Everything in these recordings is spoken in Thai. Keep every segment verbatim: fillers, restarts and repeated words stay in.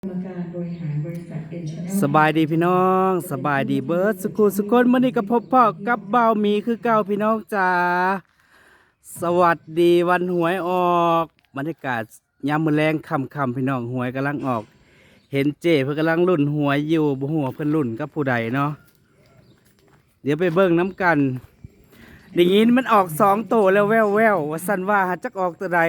กรรมการบริหารบริษัทเอ็นชาแนลสบายดีพี่น้องสบายดีเบิร์ดสกุลสกุลมื่อนี้ก็พบพ่อกับเบาหมีคือเก่าพี่น้องจ๋าสวัสดีวันหวยออกบรรยากาศยามมื้อแรงค่ำๆพี่น้องหวยกำลังออก เห็นเจเพิ่นกำลังลุ่นหวยอยู่บ่ฮู้ว่าเพิ่นลุ่นกับผู้ใดเนาะเดี๋ยวไปเบิ่งน้ำกันได้ยินมันออกสองโตแล้วแว่วๆว่าซั่นว่าจักออกตัวใด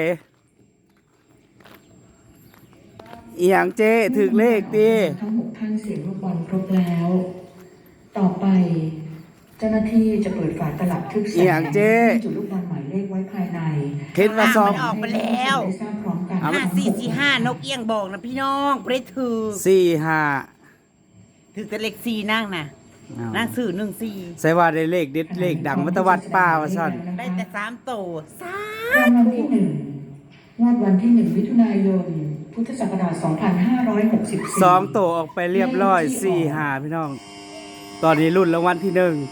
อีหยังเจถึกเลขติทั้งหกท่านเสียงลูกบอลครบแล้ว ต่อไป เจ้าหน้าที่จะเปิดฝาตลับทึบแสอีงหยังเจจุดลูกบอลหมายเลขไว้ภายในเห็นว่าซองมันออกไปแล้วได้ทราบพร้อมกันห้าสี่สี่ห้านกเอี้ยงบอกนะพี่น้องเปรตถือสี่ห้าถือแต่เลขสี่นั่งนะนั่งสื่อหนึ่งสี่ใส่ว่าได้เลขเด็ดเลขดังมัตวัดป้าว่าซั่นได้แต่สามโตสารางวัลที่หนึ่งงวดวันที่หนึ่งมิถุนายน พุทธศักราชสองพันห้าร้อยหกสิบสี่สองโตออกไปเรียบร้อยสี่ห้าพี่น้อง ตอนนี้รุ่นรางวัลที่หนึ่ง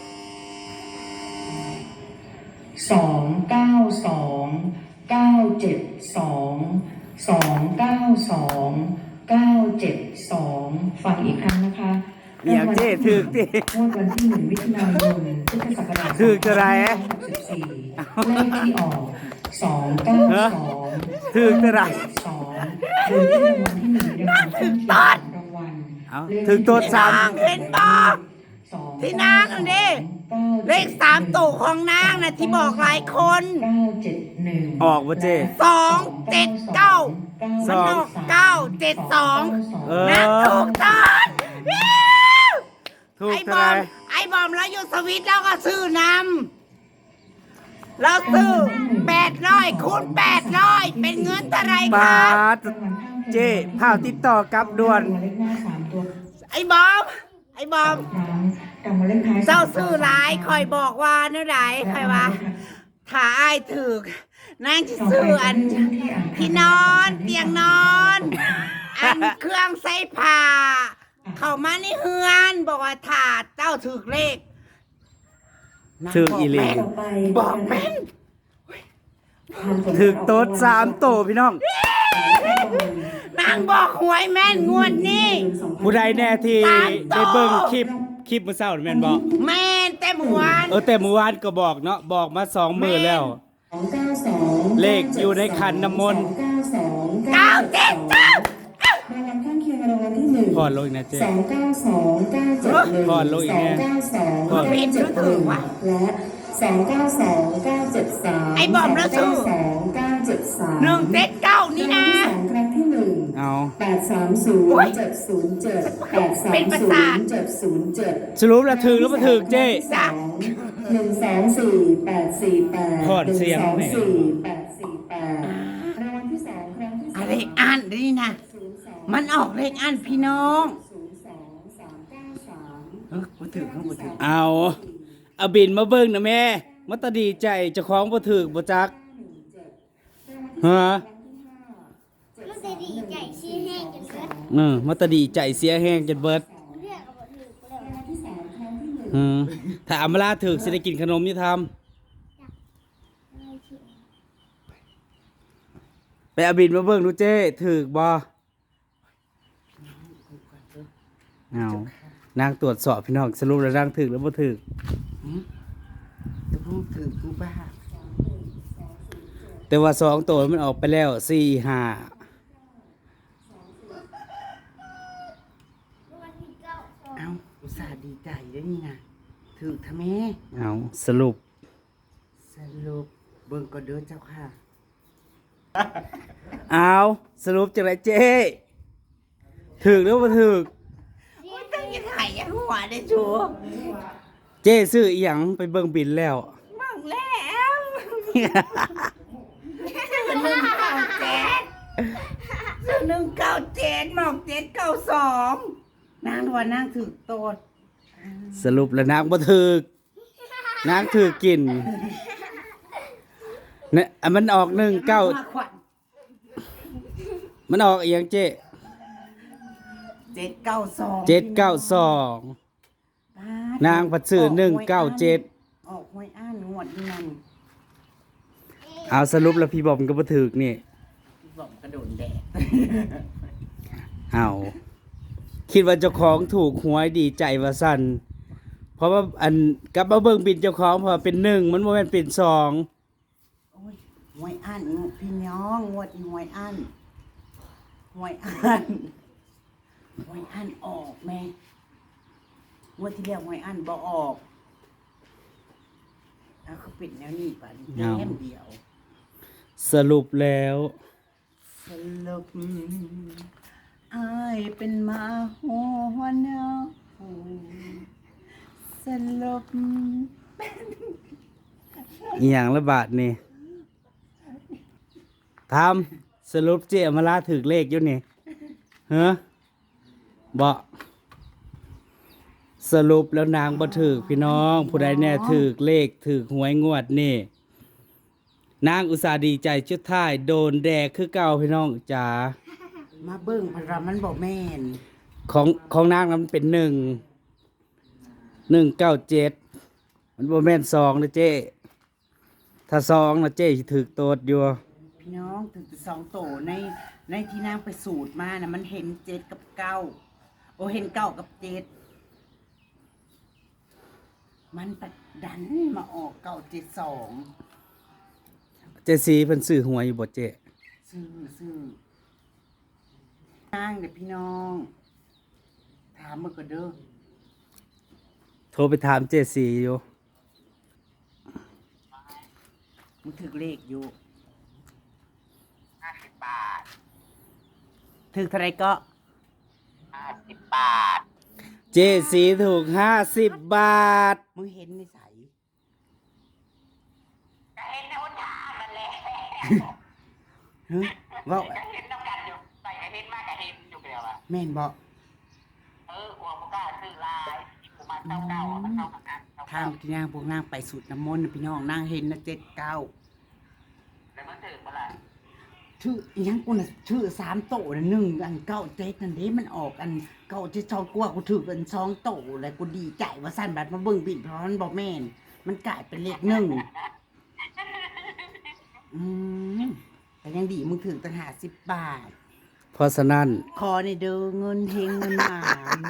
สองเก้าสองเก้าเจ็ดสองสองเก้าสองเก้าเจ็ดสองฟังอีกครั้งนะคะอย่างเจ้ถึกติงวดวันที่หนึ่งมิถุนายนพุทธศักราชถึกจะไรสองพันห้าร้อยหกสิบสี่เลขที่ออกสองเก้าสองถึกจะไรสองโดยที่รางวัลที่หนึ่งได้รับข้างเคียงของรางวัลเอาถึกตัวสามเห็นบอกที่นางอันนี้เลขสามโตของนางนะที่บอกหลายคนเก้าเจ็ดหนึ่งออกบ่เจ้สองเจ็ดเก้ามันออกเก้าเจ็ดสองเออนางถูกตอนถูกไอ้บเท่าอไหรมไอ้บอมแล้วอยู่สวิตแล้วก็ซื้อนำเราซื้อแปดร้อยคูณแปดร้อยเป็นเงินเท่าไหรปาคะดเจ้พาวติดต่อกับด่วนเลขหน้าสามตัวไอ้บอม ไอ้บอมครั้งรางวัลเลขท้ายเจ้าซื้อหลายคอยบอกว่าเนื้อไหนคอยว่าถ้าอ้ายถึกนางจะซื้ออันที่นอนเตียงนอน อันเครื่องใส่ผ้าเข้ามาในเฮือนบอกว่าถ้าเจ้าถึกเลขถึกอีหลีบอกแม่นถึกโต๊ดสามโตพี่น้องนางบอกหวยแม่นงวดนี้ผู้ใดแน่ที่สามโตได้เบิ่งคลิปคลิปมื้อเช้านี่แม่นบ่แม่นเต็มหัวเออแต่เมื่อวานก็บอกเนาะบอกมาสองมื้อแล้วสองเก้าสองเลขอยู่ในขันน้ำมนต์เก้าสองเก้าเจ็ดเก้ารางวัลข้างเคียงรางวัลที่หนึ่งพอดลงอีกนะเจ้สองเก้าสองเก้าเจ็ดหนึ่งพอดลงอีสกองแน่เก้าสองพอดเก้าเจ็ดหนึ่งและสองเก้าสองเก้าเจ็ดสามไอ้บอมแล้วซื้อสองเก้าเจ็ดสามหนึ่งเจ็ดเก้านี่นะรางวัลที่สองครั้งที่หนึ่งเอาแปดสามศูนย์เจ็ดศูนย์เจ็ดแปดสามเป็นประศูสาทนย์เจ็ดศูนย์เจ็ดสรุปแล้วถึกหรือบ่ถึกเจ้จ้ะหนึ่งสองสี่แปดสี่แปดพอดเสียงหนึ่งสองแม่สี่แปดสี่แปดรางวัลที่สองครั้งที่สองอะไรอ่านนี่นะศูนย์สองมันออกเลขอ่านพี่น้องศูนย์สองสามเก้าสามเออบ่ถึกบ่ถึกเอาเอาบินมาเบิ่งนะแม่มาตาดีใจเจ้าของบ่ถึกบ่จักฮะมันจะดีใจชี้แห้งจนเกิดเออมาตาดีใจเสียแห้งจนเบิดเลือกกับบถือกูเลยรางวัลที่สามครั้งที่หนึ่งอืมถ้าอำมาลาถึกสิได้กินขนมอยู่ทำไปเอาบินมาเบิ่งดูเจ้ถึกบ่เอานางตรวจสอบพี่น้องสรุปแล้วนางถึกแล้วบ่ถึกกูถึกกูบ้าแต่ว่าสองตัวมันออกไปแล้วสี่ห้าวันที่เก้าสองเอ้าอุตส่าห์ดีใจด้วยนี่นะถึกทำไมเอาสรุปสรุปเบิ่งก็เด้อเจ้าค่ะเอาสรุปจังไรเจ้ถึกหรือบ่ถึกโอ้ยตั้งยังไงยังหัวได้ชัวเจ้ซื้ออีหยังไปเบิ่งบินแล้วมั่งแล้วซื้อหนึ่งเก้าเจ็ดซื้อหนึ่งเก้าเจ็ดหมอกเจ็ดเก้าสองนางว่านางถึกโตดสรุปแล้วนางบ่ถึกนางถึกกินเนี่ยอ่ะมันออกหนึ่งเก้ามาขวัญมันออกอีหยังเจ้เจ็ดเก้าสองเจ็ดเก้าสองนางผัดซื้อหนึ่งเก้าเจ็ดออกหวยอ่านงวดนี่นั่นเอาสรุปแล้วพี่บอมก็บ่ถึกนี่บอกกระโดดแดดเอาคิดว่าเจ้าของถูกหวยดีใจว่าสั่นเพราะว่าอันกลับมาเบิ่งบินเจ้าของเพอเป็นหนึ่งมันบ่แม่นเป็นสองโอ้ยหวยอันพี่น้องงวดนี้หวยอันหวยอันหวยอันออกแม่งวดที่แล้วหวยอันบ่ออกแล้วเขาปิดแนวนี้ป่ะแค่เดียวสรุปแล้วสรุปอายเป็นหมาหัวเนาสรุปอีหยังละบาทนี่ทำสรุปเจอมาลาถึกเลขอยู่นี่เฮ้อบ่สรุปแล้วนางบ่ถึกพี่น้อง ผู้ใดแน่ถึกเลขถึกหวยงวดนี่นางอุตส่าห์ดีใจชุดท้ายโดนแดกคือเก่าพี่น้องจ๋ามาเบิ่งพระมันบอกแม่นของของนางนั้นเป็นหนึ่งหนึ่งเก้าเจ็ดมันบ่แม่นสองนะเจ้ถ้าสองนะเจ้สิถึกโตดอยู่พี่น้องถึงสองโตในในที่นางไปสูตรมานะมันเห็นเจ็ดกับเก้าโอเห็นเก้ากับเจ็ดมันปัดดันมาออกเก้าเจ็ดสองเจสีเพิ่นซื้อหวยอยู่บ่เจ้ซื้อซื้อนางเด็กพี่น้อง ถามมาก็เด้อโทรไปถามเจสีอยู่มึงถึกเลขอยู่ห้าสิบบาทถึกเท่าไรก็ห้าสิบบาทเจสีถูกห้าสิบบาทมึงเห็นในใสก็เห็นในวันทางนั่นแหละเฮ้ยว่าก็เห็นน้ำกันอยู่ใส่ก็เห็นมากก็เห็นอยู่เดียวอะแม่นบอกเออหัวมันก็ซื้อลายกูมาเก้าเก้าอะมันเก้ากันกันเก้าทางที่นางพวกนางไปสูตรน้ำมนต์น่ะพี่น้องนางเห็นนะเจ็ดเก้าแล้วมันถือเมื่อไหร่ชื่ออิหยังกูน่ะชื่อสามโตนะหนึ่งอันเก้าเจ็ดนั่นเด้มันออกอันเก้าเจ็ดสองกูว่ากูถือเป็นสองโตเลยกูดีใจว่าสั้นบัดมาเบิ่งบิดเพราะมันบอกแม่นมันกลายเป็นเลขหนึ่งอืมแต่ยังดีมึงถึงตั้งหาสิบบาทเพราะฉะนั้นขอในเด้อเงินเฮงเงินหมาน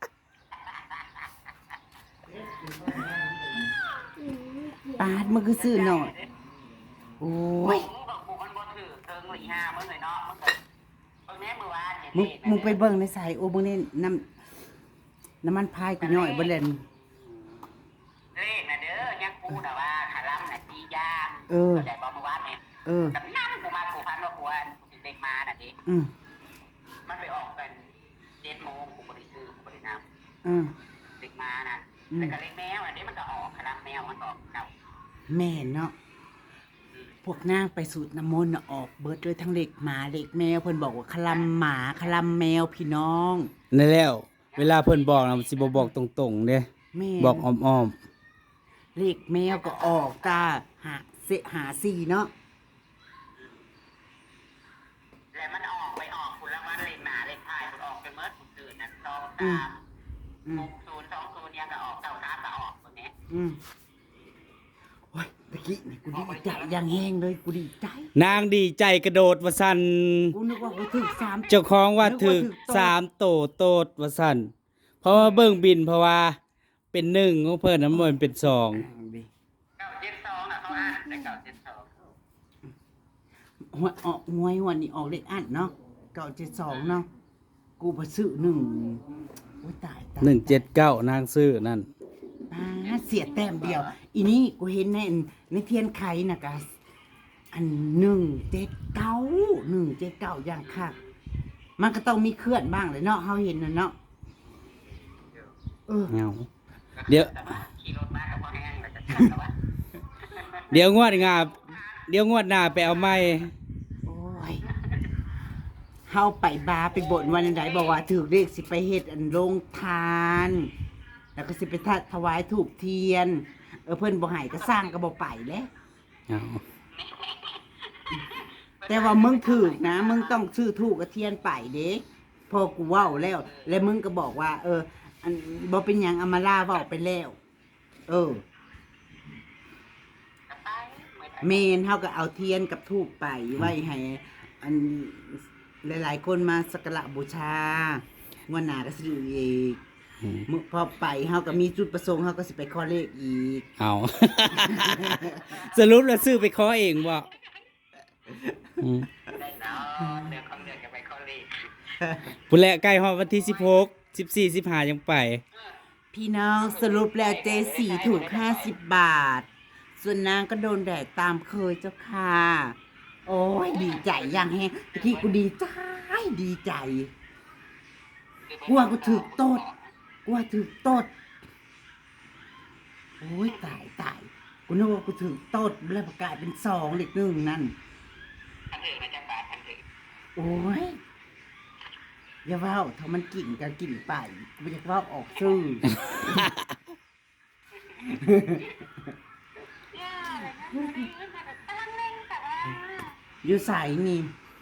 ปาดมันคือซื้อหน่อยโอ้ยมึงบอกกูมันบ่ถือเทิงหรือห้ามึงเลยเนาะมึงก็มึงแม่มือวานเนี่ยมึงมึงไปเบิ่งในสายโอ้มึงนี่น้ำน้ำมันพายกูย่อยบ่เล่นเลขนะเด้อยังกูแต่ว่าขาลัมน่ะตียางเออแต่บอกมือวานเนี่ยเออกับนั่นกูมากูพันว่ากูอันกูสิเด็กมาน่ะดิอืมมันไปออกกันเจ็ดโมงกูบริซื้อกูบริน้ำอืมเด็กมานะอืมแต่กับเล็กแมวอันนี้มันก็ออกคณะแมวมันออกเก่าแม่นเนาะพวกนางไปสูตรน้ำมนต์น่ะออกเบิดด้วยทั้งเล็กหมาเล็กแมวเพิ่นบอกว่าคลำหมาคลำแมวพี่น้องนั่นแล้ว เวลาเพิ่นบอกนะมันสิบ่บอกตรงๆเด้แม่บอกอ้อมเล็กแมวก็ออกกาหาเสหาสี่เนาะแล้วมันออกไปออกคุณละวันเล็กหนาเล็กท้ายมันออกไปเมื่อคุณตื่นนะสองสามอืหมกศูนย์สองศูนย์ยังก็ออกเก้าสามก็ออกคนนี้อืมโอ้ยตะกี้นี่กูดีใจอย่างแห้งเลยกูดีใจๆนางดีใจกระโดดว่าซั่นกูนึกว่ากูถึกสามเจ้าของว่าถึกนึกว่าถึกโตสามโตโตดว่าซั่นเพราะว่าเบิ่งบินเพราะว่าเป็นหนึ่งของเพิ่นน่ะมันเป็นสองเก้าเจ็ดสองอ่ะเขาอ่านได้เก้าเจ็ดสองหัวออกหวยวันนี้ออกเลขอันเนาะเก้าเจ็ดสองเนาะกูไปซื้อหนึ่งโอ้ยตายตายหนึ่งเจ็ดเก้านางซื้อนั่นอ่าเสียแต้มเดียว อีนี่กูเห็นในในเทียนไขนะกะอันหนึ่งเจ็ดเก้าหนึ่งเจ็ดเก้าอย่างค่ะมันก็ต้องมีเคลื่อนบ้างเลยเนาะเขาเห็นนะเนาะเออเอาเดี๋ยวแต่ว่าขี่รถมากับพ่อแห้งแล้วจะชัดแล้ววะเดี๋ยวงวดงาเดี๋ยวงวดหน้าไปเอาไม้โอ้ยเฮาไปบาร์ไปบ่นวันใดบอกว่าถือเลขสิไปเฮ็ดอันโรงทาน แล้วก็สิไปทัดถวายถูกเทียน เออเพิ่นบ่ให้ก็สร้างก็บ่ไปแหล้วเอาแต่ว่ามึงถือนะ มึงต้องซื้อถูกกับเทียนไปเด้พอกูเว้าแล้ว แล้วมึงก็บอกว่า เออ อันบ่เป็นหยังอามาล่าเว้าไปแล้ว เออกลับไปไม่ได้เมนเฮาก็เอาเทียนกับทูบไปไว้ให้อันหลายๆคนมาสักการะบูชางวดหน้าก็สิได้อีกมื้อพอไปเฮาก็มีจุดประสงค์เฮาก็สิไปขอเลขอีกเอา สรุปแล้วซื้อไปขอเองบ่อืมได้เนาะเดือนของเดือนจะไปเข้าเลขพุ่นแหละใกล้ฮอดวันที่สิบหก สิบสี่ สิบห้ายังไปพี่น้องสรุปแล้วเจสี่ถูกห้าสิบบาท ส่วนนางก็โดนแดดตามเคยเจ้าค่ะ โอ้ยดีใจอย่างแฮงที่กูดีใจดีใจกลัวกูถือโตดกลัวถือโตดโอ้ยตายตายกูนึกว่ากูถือโตดแล้วประกาศเป็นสองเลขหนึ่งนั่นทันถือนะจ๊ะบาททันถือโอ้ยอย่าเว้าถ้ามันกินก็กินไปกูจะเว้าออกชื่อ อยู่ใสนี่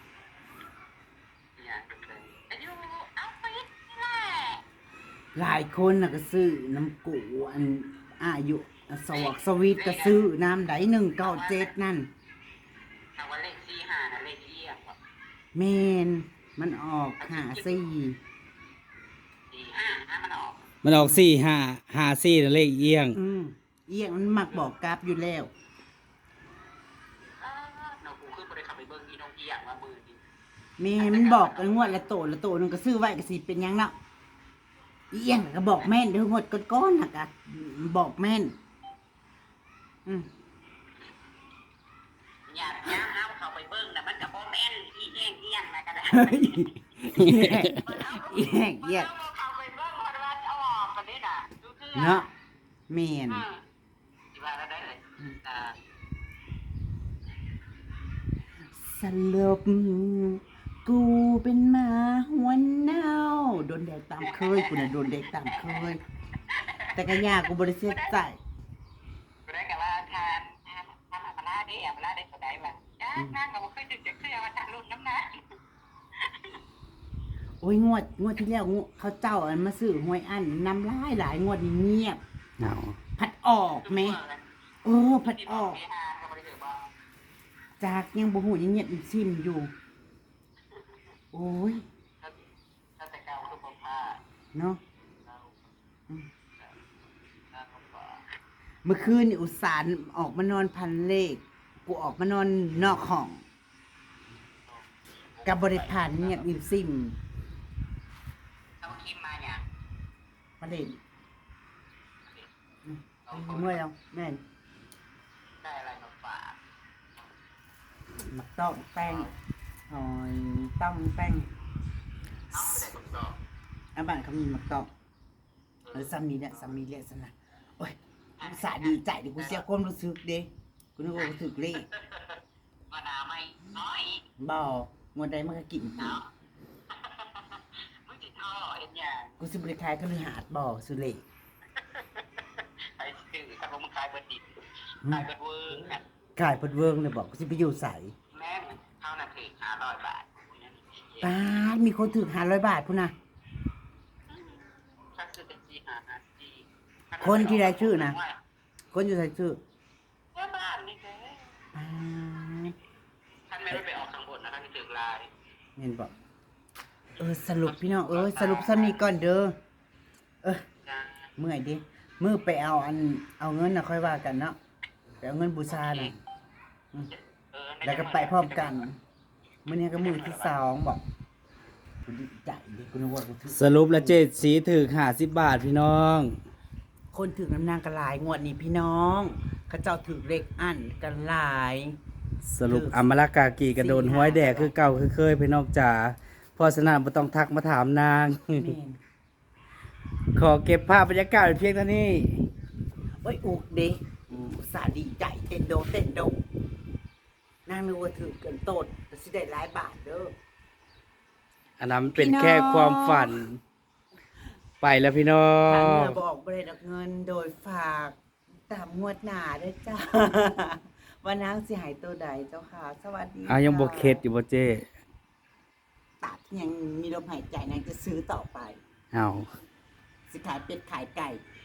อย่างเป็นเลยอายุเอาปิดนี่แหละหลายคนน่ะก็ซื้อน้ำกูอันอายุสวอกสวีทก็ซื้อน้ำไดหนึ่งเก้าเจ็ดนั่นเอาว่าเลขสี่ห้านะเลขเอียงว่ะเมนมันออกหาสี่สี่ห้าห้ามันออกมันออกสี่ห้าห้าสี่นั่นเลขเอียงอืมเอียงมันมักบอกกราฟอยู่แล้วเออน้องกูขึ้นไปได้ขับไปเบิ้งอีน้องเอียงว่ามือดีเมนมันบอกงวดละโตละโตนึงก็ซื้อไว้ก็สิเป็นหยังเนาะเอียงก็บอกแม่นเดี๋ยวงวดก้อนๆน่ะก็บอกแม่นอืมอย่าอย่าเอาเข้าไปเบิ้งนะมันกับโบแมนอีเอียงเอียงนะก็ได้เฮ้ยเอียงเอียงเอียงเอาเข้าไปเบิ้งพอได้ว่าเอาออกกันนี่น่ะดูเพื่อเนาะเมนอืมสิว่าแล้วได้เลยอ่าสรุปกูเป็นหมาหัวเน่าโดนแดกตามเคยกูน่ะโดนแดกตามเคย แต่ก็ยากกูบริเสียใจกูได้กับว่าทานทานทานอัปลาได้อัปลาได้สดายว่ะจ้านั่งกับว่าขึ้นดึกจะขึ้นมาทานรุ่นน้ำหนักโอ้ยงวดงวดที่แล้วงวดเขาเจ้าอันมาซื้อหวยอันน้ำลายหลายงวดนี้เงียบเอาพัดออกไหมเออพัดออก จากยังบ่หูยังเงียบอีซิมอยู่ โอ้ยถ้าแต่เก่าคือผมผ้าเนาะเราอืมถ้าผมก็เมื่อคืนนี่อุตส่าห์ออกมานอนพันเลข กูออกมานอนนอกห้องกับบริพานเงียบอีซิมเอาคิมมาอย่างมาเล่นอืมเมื่อยแล้วแม่นได้อะไรมาฝากมักต้องแป้งหอยต้องแป้งเอาไม่ได้ผมตอบอาบ้านเขามีมักต้องเออซ้ำนี้เนี่ยซ้ำนี้เลยสนะโอ้ยอุตส่าห์ดีใจดิกูเสียความรู้สึกเด้กูนึกว่ากูถึกเลขมานาไม่น้อยบ่งวดใดมันก็กินกูเนาะมึงจิตท่อเห็นอย่างกูสิบริคายก็เลยหาดบ่สุเลขไอ้สื่อถ้าผมขายเบอร์ดิบขายเบอร์เวอร์นะกายเพิ่นเวิงเลยบอกกูสิไปอยู่ใสแม่งเท่านั้นคือห้าร้อยบาทตายมีคนถึกห้าร้อยบาทพุ่นน่ะถ้าซื้อเป็นจีห้าห้าจีคนที่ได้ชื่อนะ คนอยู่ใส่ชื่อว่าบ้านนี่แกตายท่านไม่ได้ไปออกข้างบนนะครับที่ถึงลายเห็นบอกเออสรุปพี่น้องเออสรุปซ้ำนี้ก่อนเด้อเออจ้าเมื่อยดิมือไปเอาอันเอาเงินน่ะค่อยว่ากันเนาะไปเอาเงินบูชาน่ะเออแล้วก็ไปพร้อมกันมื้อนี้ก็มือที่สองบอกกูดีใจดิกูนึกว่ากูถึกสรุปแล้วเจ็ดสีถึกห้าสิบบาทพี่น้องคนถึกน้ำนางกระลายงวดนี้พี่น้อง เขาเจ้าถึกเลขอันกระลายสรุปอมรากากีกระโดนห้อยแดกคือเก่าคือเคยพี่น้องจ๋าเพราะฉะนั้นบ่ต้องทักมาถามนางแม่นขอเก็บภาพบรรยากาศไว้เพียงเท่านี้โอ้ยอุกเด้อุตส่าห์ดีใจเต้นโดเต้นโดนางนึกว่าถือเกินโตดแต่สิได้หลายบาทเด้ออันนั้นเป็นแค่ความฝัน ไปแล้วพี่น้อทางงเรือบอกบริษัทเงินโดยฝากตามงวดหนาด้วยจ้า ว่านางสิหายตัวใดเจ้าค่ะ สวัสดีอ้าวยังบ่เข็ดอยู่บ่เจ้ตัดยังมีลมหายใจนางจะซื้อต่อไปเอาสิขายเป็ดขายไก่